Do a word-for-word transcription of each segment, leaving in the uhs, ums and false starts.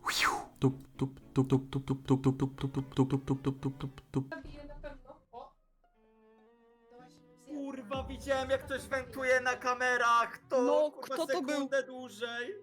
Tup, tup, tup, tup, tup, tup, tup, tup, tup, tup, tup, tup, tup, tup, tup, tup, tup. Zabiję na pewno. O! No właśnie, zjadłem. Kurwa, widziałem jak ktoś wentuje na kamerach. To No, kurwa, kto to był? sekundę dłużej.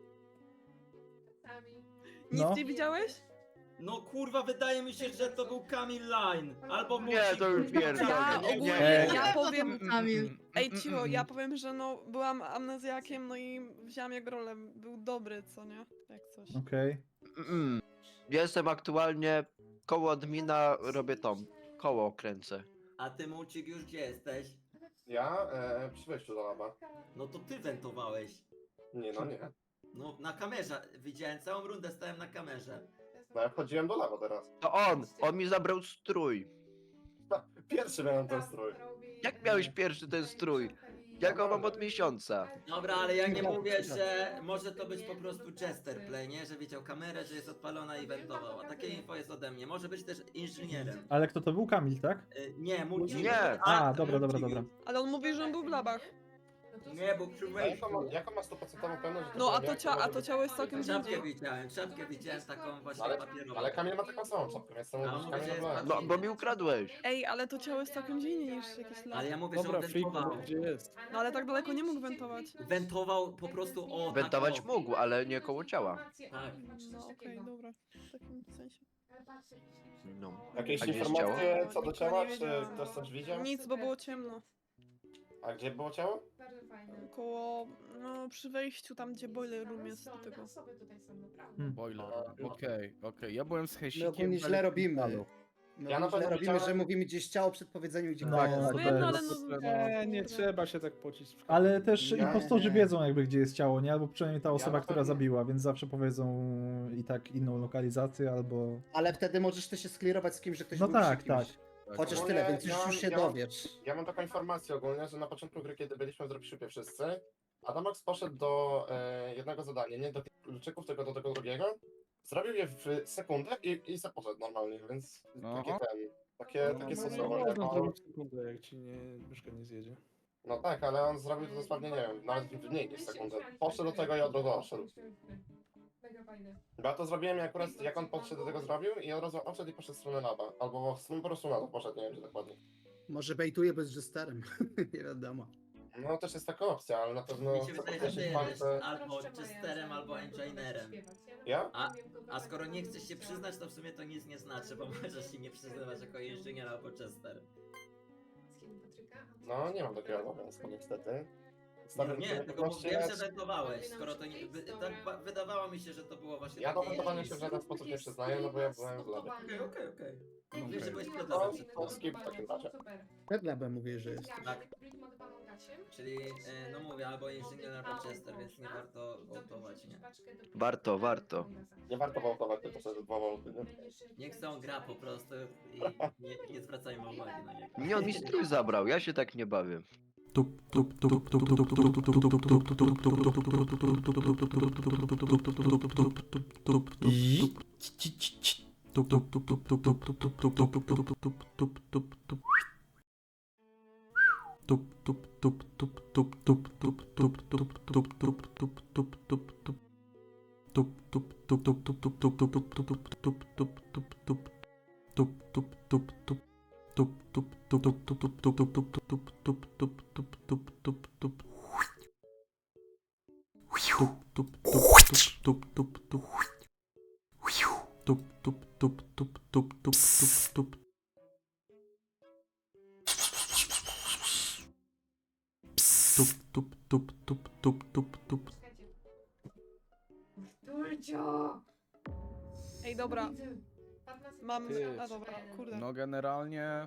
Sami. Nic No. nie widziałeś? No kurwa, wydaje mi się, że to był Kamil Line. Albo Nie, to już pierdolę. Ja Nie, nie, ogólnie, nie. ja Nie, powiem... Kamil. Ej, cicho, ja powiem, że no, byłam amnezjakiem, no i wzięłam jego rolę. Był dobry, co nie? Jak coś. Okej. Mm. Jestem aktualnie koło admina, robię tą. Koło kręcę. A ty, Mucik, już gdzie jesteś? Ja? E, przy wejściu do laba. No to ty wentowałeś. Nie, no nie. No na kamerze, widziałem całą rundę, stałem na kamerze. No ja wchodziłem do laba teraz. To on! On mi zabrał strój. Pierwszy miałem ten strój. Jak miałeś pierwszy ten strój? Ja go mam od miesiąca. Dobra, ale ja nie mówię, że może to być po prostu Chester Play, nie? Że widział kamerę, że jest odpalona i wentował. A takie info jest ode mnie. Może być też inżynierem. Ale kto to był? Kamil, tak? Y, Nie, Mucik. Nie. A, dobra, dobra, dobra. Ale on mówi, że on był w labach. Nie, bo przy A wejściu. jaką, ma- jaką ma sto procent pewność, że to No, a byłem to, ja, cia a może to być- ciało jest całkiem gdzie Czapkę indziej. widziałem, czapkę widziałem taką właśnie Ale, papierową. ale Kamil ma taką samą czapkę, więc to A, mówisz, mówię, Kamil że jest byłem. No, bo mi ukradłeś. Ej, ale to ciało jest całkiem gdzie indziej niż jakieś lab. Ale ja mówię, Dobra, że on Friku, wentował. gdzie jest? No, ale tak daleko nie mógł wentować. Wentował po prostu o Wentować tak, o. mógł, ale nie koło ciała. Tak. No, okej, dobra. W takim sensie. No. Jakieś A gdzie jest informacje ciało? co do Nikogo ciała, nie czy wiedziałam. ktoś coś widział? Nic, bo było ciemno. A gdzie było ciało? Bardzo fajne. Koło, no, przy wejściu tam, gdzie boiler room jest do tego. Osoby tutaj są naprawdę. Hmm. Boiler. Okej, okej. Ja byłem z My Hejsikiem. ogólnie w źle robimy. Elektrikalu. My Ja na ogólnie źle pewno robimy, widziałem- że mówimy gdzieś ciało przed powiedzeniem, gdzie No, kto to jest. No to wiem, no, jest- ale no... Nie, nie kurde. trzeba się tak pocić. w Ale też Nie. impostorzy wiedzą jakby gdzie jest ciało, nie? Albo przynajmniej ta Ja osoba, na która pewno- zabiła, więc zawsze powiedzą i tak inną lokalizację albo... Ale wtedy możesz też się sklirować z kimś, że ktoś No był tak, przy kimś. tak. Chociaż Ogólnie tyle, więc już, ja- już się ja- dowiesz. Ja mam taką informację ogólnie, że na początku gry, kiedy byliśmy w dropshipie wszyscy, Adamox poszedł do e, jednego zadania, nie do tych kluczyków, tylko do tego drugiego. Zrobił je w sekundę i, i se poszedł normalnie, więc takie Aha. ten, takie, No, takie no, stosowanie. Można No, zrobić sekundę, jak ci nie, myszka nie zjedzie. no tak, ale on zrobił to dosłownie, nie wiem, nawet w mniej niż sekundę. Poszedł do tego i od razu odszedł. Mega fajne. Bo ja to zrobiłem akurat, jak on podszedł do tego zrobił i od razu odszedł i poszedł w stronę laba. Albo w stronę po prostu na to poszedł, nie wiem gdzie dokładnie. Może bejtuje bez jesterem. Nie wiadomo. No też jest taka opcja, ale na pewno Mi się chcę wydaje, że ty podkreślić fakt, jesteś że... albo Chesterem, albo Engineerem. Ja? A- A skoro nie chcesz się przyznać, to w sumie to nic nie znaczy, bo możesz się nie przyznawać jako inżynier albo Chester. No nie mam takiego obowiązku niestety. Nie, Stawiam nie, sobie tylko wyłącznie- mówiłem, że wentowałeś, skoro to nie... Wy, tak ba- wydawało mi się, że to było właśnie Ja do takie... wentowania się w żaden sposób nie przyznaję, no bo ja byłem w labie. Okej, okej, okej. Mówię, Okej. że byłeś przed No, labem przed to chwilą. skip w takim razie. Przed labem mówię, że jest. Tak. Czyli, e, no mówię, albo inżynier, albo Chester, więc nie warto wołtować, nie? Warto, warto. Nie warto wołtować, tylko sobie dwa wołty, nie? Niech se on gra po prostu i nie, nie zwracajmy uwagi na niego. Nie, on mi strój zabrał, ja się tak nie bawię. Tup, tup, tup, tup, tup, tup, tup, tup, tup, tup, tup, tup, tup, tup, I... tup, tup, tup, tup, tup, tup, tup, tup, tup, tup, tup, tup, tup, tup, tup, tup. Tup, tup, tup, tup, tup, tup, tup, tup, tup, tup, tup, tup, tup, tup, tup. Tup, tup, tup, tup, tup, tup, tup, tup, tup, tup, tup, tup, tup, tup. Tup, tup, tup, tup. Tup, tup, tup, tup, tup, tup, tup, tup, tup, tup, tup, tup, tup, tup, tup, tup. Tup, tup, tup, tup, tup, tup, tup. Tup, tup, tup, tup, tup, tup, tup, tup. Tup, tup, tup, tup, tup, tup, tup. Dulcio! Ej, dobra, mam... Ty. A dobra, kurde. No generalnie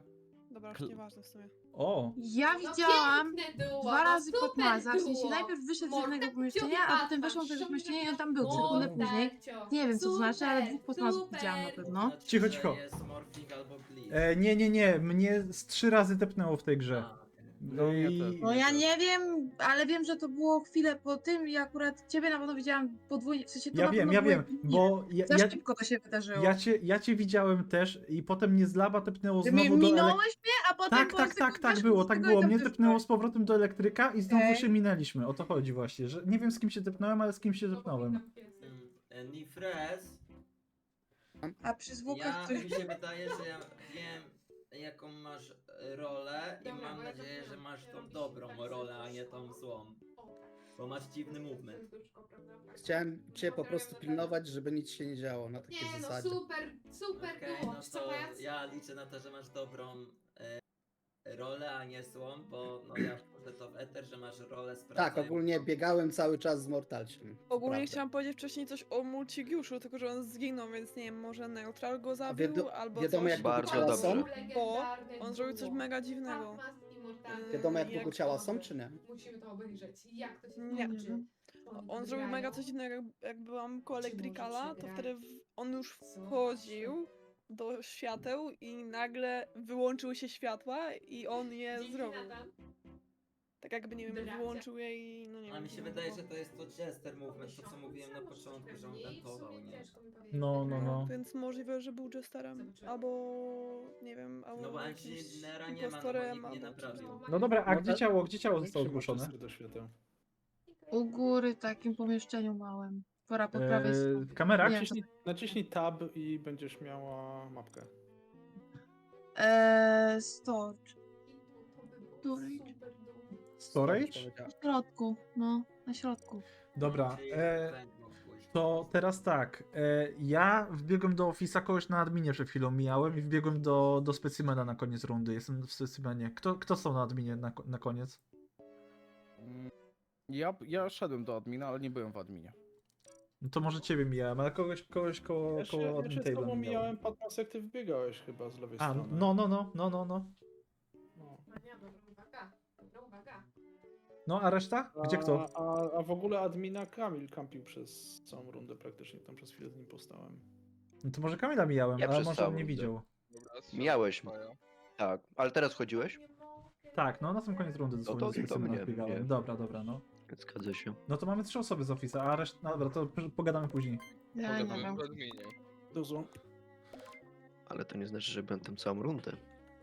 Dobra, już Kl- nieważne w sumie. O! Ja No widziałam piękne duo, dwa no razy super Patmaza, w sensie duo. najpierw wyszedł z Mortal jednego Cio pomieszczenia, i a potem Batman, weszłam do tego szum pomieszczenia i on taki tam był Mortal sekundę później. Cio. Nie wiem, co to znaczy, ale Super, dwóch Patmazów super. widziałam na pewno. Znaczy, Cicho, że cicho. jest morphing albo glitch. E, nie, nie, nie, mnie z trzy razy tepnęło w tej grze. A, okej. No No, ja i... też. No ja nie wiem, ale wiem, że to było chwilę po tym i akurat ciebie na pewno widziałam podwójnie, w sensie to Ja na wiem, pewno ja było wiem, jakby- bo ja, Za ja, szybko to się wydarzyło. ja, cię, ja cię widziałem też i potem mnie z laba tepnęło Ty mnie znowu do elek... minąłeś mnie, a potem Tak, po tak, tak, sekundach tak było, z tak tego i było. tam Mnie też tepnęło byłeś. z powrotem do elektryka i znowu Okej. się minęliśmy. O to chodzi właśnie, że nie wiem z kim się tepnąłem, ale z kim się tepnąłem. Mm, e, Nifres, A przy zwłokach ja coś... mi się wydaje, że ja wiem jaką masz e, rolę i Dobra, mam bo ja nadzieję, to że wiem, masz że tą robisz dobrą tak rolę, a sobie nie tą złą. O, tak. Bo masz dziwny movement. Serduszko, prawda? Chciałem cię po prostu pilnować, żeby nic się nie działo na takiej Nie no, zasadzie. super, super Okej, duo. no Co to ja- ja liczę na to, że masz dobrą e, rolę, a nie złą, bo no ja wchodzę to w eter, że masz rolę Tak, sprawdzającą. ogólnie biegałem cały czas z Mortalciem. to Ogólnie prawda. chciałam powiedzieć wcześniej coś o Multigiuszu, tylko że on zginął, więc nie wiem, może Neutral go zabił, wiado- albo wiadomo, coś. jak długo Bardzo ciała dobrze. są? Bo Legendarne on zrobił coś duo. mega dziwnego. Patmas i Mortal. Yy, Wiadomo jak długo jak ciała to- są, czy nie? Musimy to obejrzeć. Jak to się Nie. kończy? On zrobił mega coś dziwnego, jak, jak byłam koło Czy Elektrykala, możecie to grać? wtedy w, on już Co? wchodził do świateł i nagle wyłączyły się światła i on je Dzięki, zrobił. Natan. Tak jakby, nie wiem, Dobra, wyłączył je i no nie A wiem. mi się wydaje, że to jest to Jester movement, to co mówiłem na początku, że on wentował, nie? No, no, no. Więc możliwe, że był Jesterem, Zobaczymy. albo nie wiem, albo No bo jakimś Engineera nie ma, no bo impostorem, nikt nie albo naprawił. czymś. No dobra, a No gdzie tak. ciało, gdzie ciało Jak zostało się ma zgłoszone? cztery do świateł? U góry w takim pomieszczeniu małym. Pora po prawej Eee, stronie. w kamerach? Nie. Naciśnij, naciśnij tab i będziesz miała mapkę. Eee, storage. Storage. Storage? Na środku, no, na środku. Dobra, Czyli e, węd mógł pójść. to teraz tak. E, ja wbiegłem do Office'a, kogoś na adminie przed chwilą mijałem i wbiegłem do, do specimena na koniec rundy. Jestem w specimenie. Kto, kto stał na adminie na, ko- na koniec? Mm, Ja, ja szedłem do admina, ale nie byłem w adminie. No to może ciebie mijałem, ale kogoś, kogoś koło, Ja się, koło ja admin się z table'a tobą mijałem. mijałem, Patmas, jak ty wbiegałeś chyba z lewej A, strony. no, no, no, no, no, no. No. Dobra uwaga, dobra uwaga. No, a reszta? Gdzie kto? A, a, a w ogóle admina Kamil kampił przez całą rundę praktycznie, tam przez chwilę z nim postałem. No to może Kamila mijałem, Ja ale przez może całą on nie rundę. widział. Mijałeś mnie. Tak, ale teraz chodziłeś? Tak, no na sam koniec rundy dosłownie to- do to specimena mnie, wbiegałem. mnie. Dobra, dobra, no. Zgadza się. No to mamy trzy osoby z Office'a, a reszta... No dobra, to p- pogadamy później. Ja nie wiem. Dużo. Ale to nie znaczy, że byłem tam całą rundę.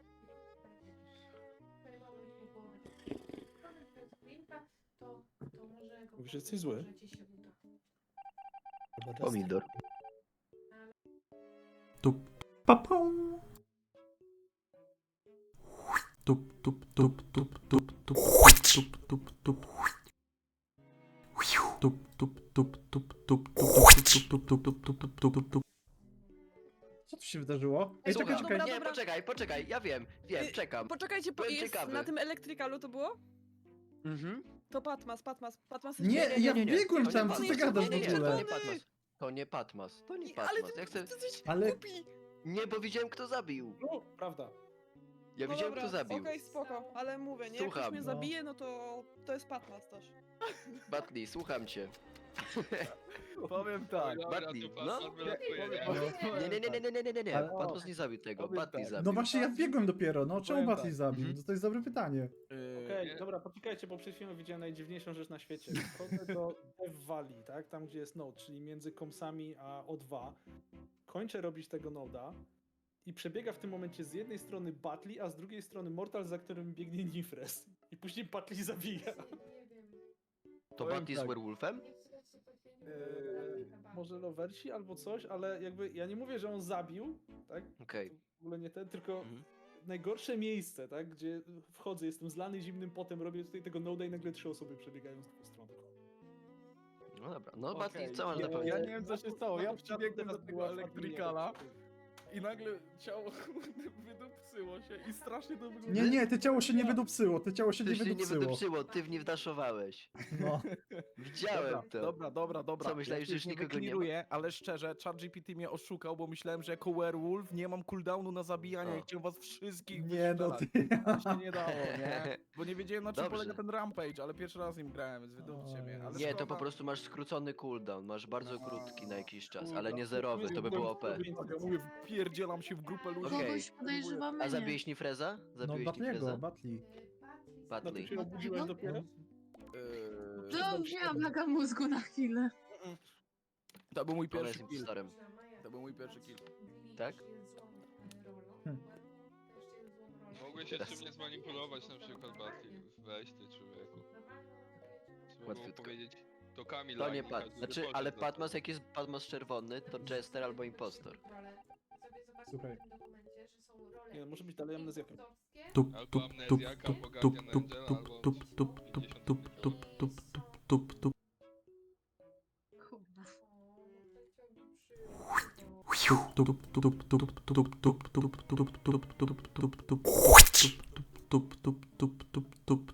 To, to może go Mówisz, że jesteś zły? może ci się uda. Chyba Jester. Pomidor. Tup, papum. Tup, tup, tup, tup, tup, tup, tup, tup, tup. Tup, tup, tup, tup, tup, tup, tup, tup, tup, tup, tup, tup, tup, tup, tup. Co tu się wydarzyło? Ej, Ej, czekaj, dobra, czekaj. dobra. Nie, poczekaj, poczekaj, ja wiem, wiem, Y, czekam. Poczekajcie, bo Byłem jest ciekawy. na tym Elektrykalu to było? Mhm. To Patmas, Patmas, Patmas Nie, jest ja nie, nie. wbiegłem To nie tam, pan co ty jest gadasz w Nie, nie, ogóle? to nie Patmas. To nie Patmas, to nie I- Ale Patmas. ty, Ja chcę... ty jesteś Ale- głupi. Nie, bo widziałem kto zabił. No, prawda. Ja No widziałem dobra, kto zabił. Okej, spoko, ale mówię, nie? Jak ktoś Słucham. mnie No. zabije, no to to jest Patmas też. Batli, słucham cię. Powiem tak. Batli, no? Nie, Nie, nie, nie, nie, nie, nie, nie, nie. Ale- Patmas nie zabił tego, Powiem Batli tak. zabił. No właśnie, ja wbiegłem dopiero, no czemu Powiem Batli tak. zabił? Mhm. No to jest dobre pytanie. Okej, dobra, poczekajcie, bo przed chwilą widziałem najdziwniejszą rzecz na świecie. Wchodzę do Dev Valley, tak? Tam gdzie jest node, czyli między komsami a O dwa. Kończę robić tego noda i przebiega w tym momencie z jednej strony Batli, a z drugiej strony Mortal, za którym biegnie Nifres. I później Batli zabija. Nie wiem. To powiem Batli z tak. werewolfem? Eee, może Lowersi albo coś, ale jakby ja nie mówię, że on zabił, tak? Okej. W ogóle nie ten, tylko Mhm. najgorsze miejsce, tak? Gdzie wchodzę, jestem zlany zimnym potem, robię tutaj tego noda i nagle trzy osoby przebiegają z dwóch stron. No dobra, no Okej, Batli, co masz ja- na ja powiedzenie? nie wiem, co się stało. Ja przybiegłem do tego elektrykala. i nagle ciało kurde, wydupcyło się i strasznie to wygląda. Nie, nie, te ciało się nie wydupcyło, te ciało się Ty nie się nie wydupcyło. wydupcyło, ty w nie wdaszowałeś. No. Widziałem Dobra, to. dobra, dobra, dobra. Co, myślałeś, Ja że już nie nikogo nie ma? wykliruję, ale szczerze, ChatGPT mnie oszukał, bo myślałem, że jako werewolf nie mam cooldownu na zabijanie O. i chciałem was wszystkich Nie no wystrzelać. ty. To się nie dało, nie? Bo nie wiedziałem na czym Dobrze. polega ten rampage, ale pierwszy raz nim grałem, więc wydupcie mnie. Ale Nie, to szkoda. po prostu masz skrócony cooldown, masz bardzo krótki na jakiś czas, ale Kurwa, nie zerowy, to by było O P. Ja mówię, wpierdzielam się w grupę ludzi. Okej. Kogoś podejrzewamy, A nie. zabiłeś Nifreza? No Zabiłeś Batliego, Nifreza? Batli. No Batli. ty się obudziłeś dopiero? Eee, No, miałam laga mózgu na chwilę. To był mój Ona pierwszy jest kill. impostorem. To był mój pierwszy kill. Tak? Mogłeś jeszcze mnie zmanipulować, na przykład Batli. Weź ty, człowieku. Trzeba było Łatwiutko. powiedzieć, to Kamil To nie Lagi, Pat. każdy Znaczy, poszedł ale za to. Patmas, jak jest Patmas czerwony, to Jester albo Impostor. Słuchaj. Nie, może być dalej amnezjakiem. Tup, Albo tup, tup, amnezjaka, tup, albo tup, Guardian tup, Angela, tup, albo tup, tup, tup, pięćdziesiąt tup, tup, tup, tup, tup, tup. Kurwa. Tup, tup, tup, tup, tup, tup, tup, tup, tup, tup, tup, tup, tup, tup, tup, tup, tup, tup, tup.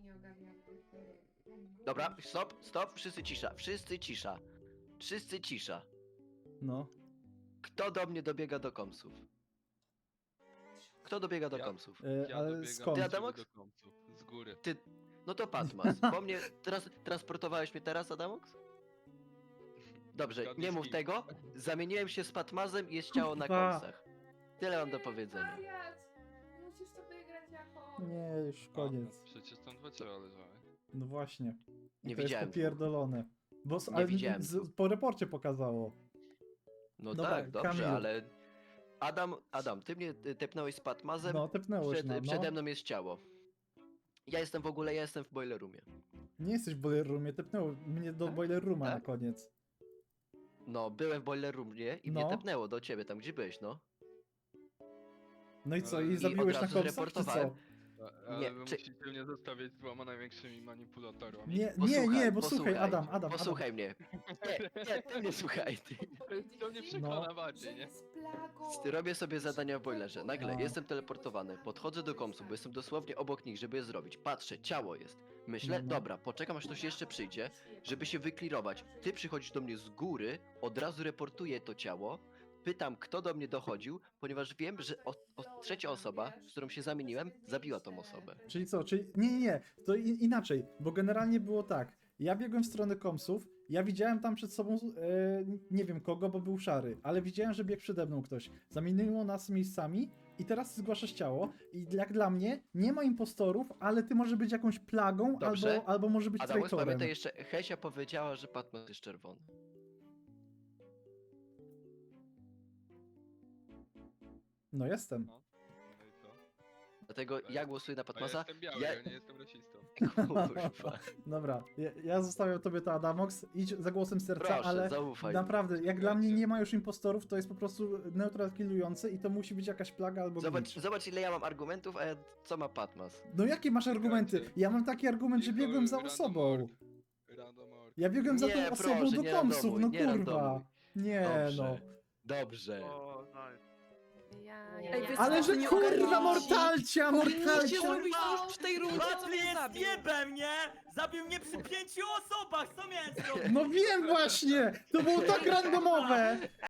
Dobra, stop, stop, wszyscy cisza, wszyscy cisza. Wszyscy cisza. No. Kto do mnie dobiega do komsów? Kto dobiega do Ja. komsów? E, Ja ale dobiegam skąd? Ty, do Adamox? ciebie do końcu, z góry. Ty, no to Patmas. Po mnie, teraz, transportowałeś mnie teraz, Adamox? Dobrze, Zgadnij nie z mów kim. tego. Zamieniłem się z Patmazem i jest ciało na Kurwa. komsach. Tyle mam do powiedzenia. Musisz sobie grać jako... Nie, już A, koniec. Przecież tam dwa ciała leżały. No właśnie. I Nie to widziałem jest popierdolone. Bo z, Nie ale widziałem z, po reporcie pokazało. No Dobra, tak, dobrze, Kamil. ale... Adam, Adam, ty mnie y, tepnąłeś z Patmazem, No, tepnęłeś przed, no, no. przede mną jest ciało. Ja jestem w ogóle, ja jestem w boiler roomie. Nie jesteś w boiler roomie, tepnęło mnie do Tak? boiler rooma Tak? na koniec. No, byłem w boiler roomie i No. mnie tepnęło do ciebie, tam gdzie byłeś, no. No i co, I i od zabiłeś na razu komsach, czy zreportowałem. co? A- Ale Nie, wy czy- musicie mnie zostawiać z dwoma największymi manipulatorami. Nie, nie, Posłuchaj, nie, bo słuchaj, posłuchaj, Adam, Adam, Posłuchaj mnie. Nie, nie, ty mnie słuchaj, ty. To mnie przekona bardziej, nie? Ty robię sobie zadania w boilerze. Nagle No. jestem teleportowany, podchodzę do komsu, bo jestem dosłownie obok nich, żeby je zrobić. Patrzę, ciało jest. Myślę, No, no. dobra, poczekam aż ktoś jeszcze przyjdzie, żeby się wyklirować. Ty przychodzisz do mnie z góry, od razu reportuję to ciało, pytam, kto do mnie dochodził, ponieważ wiem, że o, o, trzecia osoba, z którą się zamieniłem, zabiła tą osobę. Czyli co, czyli nie, nie, nie, to i, inaczej, bo generalnie było tak, ja biegłem w stronę komsów, ja widziałem tam przed sobą, e, nie wiem kogo, bo był szary, ale widziałem, że biegł przede mną ktoś, zamieniło nas miejscami i teraz zgłaszasz ciało i jak dla mnie nie ma impostorów, ale ty może być jakąś plagą Dobrze. albo, albo może być Adamus, traitorem. pamiętaj jeszcze, Hesia powiedziała, że Patmas jest czerwony. No jestem. No. No i co? Dlatego ja głosuję na A ja Patmasa. jestem biały, Ja- ja nie jestem rasistą. Kurwa. Dobra, ja, ja zostawiam tobie to Adamox, idź za głosem serca, Proszę, ale zaufaj. naprawdę, jak dla mnie Słuchajcie. nie ma już impostorów, to jest po prostu neutral killujący i to musi być jakaś plaga albo Zobacz, glitch. zobacz ile ja mam argumentów, a ja, co ma Patmas. No jakie masz argumenty? Ja mam taki argument, że Tylko biegłem za random osobą. org. Random org. Ja biegłem za Nie, tą osobą proszę, do nie komsów, randomuj, no nie kurwa. randomuj. Nie Dobrze. no. Dobrze. Ej, wy Ale co, że nie kurwa ogarniacie? mortalcia, Powinniście mortalcia! zrobić to już w tej rundzie, co Łatwy mnie jest zabił. jebem, nie? Zabił mnie przy pięciu osobach, co miałem zrobić? No wiem właśnie! To było tak randomowe!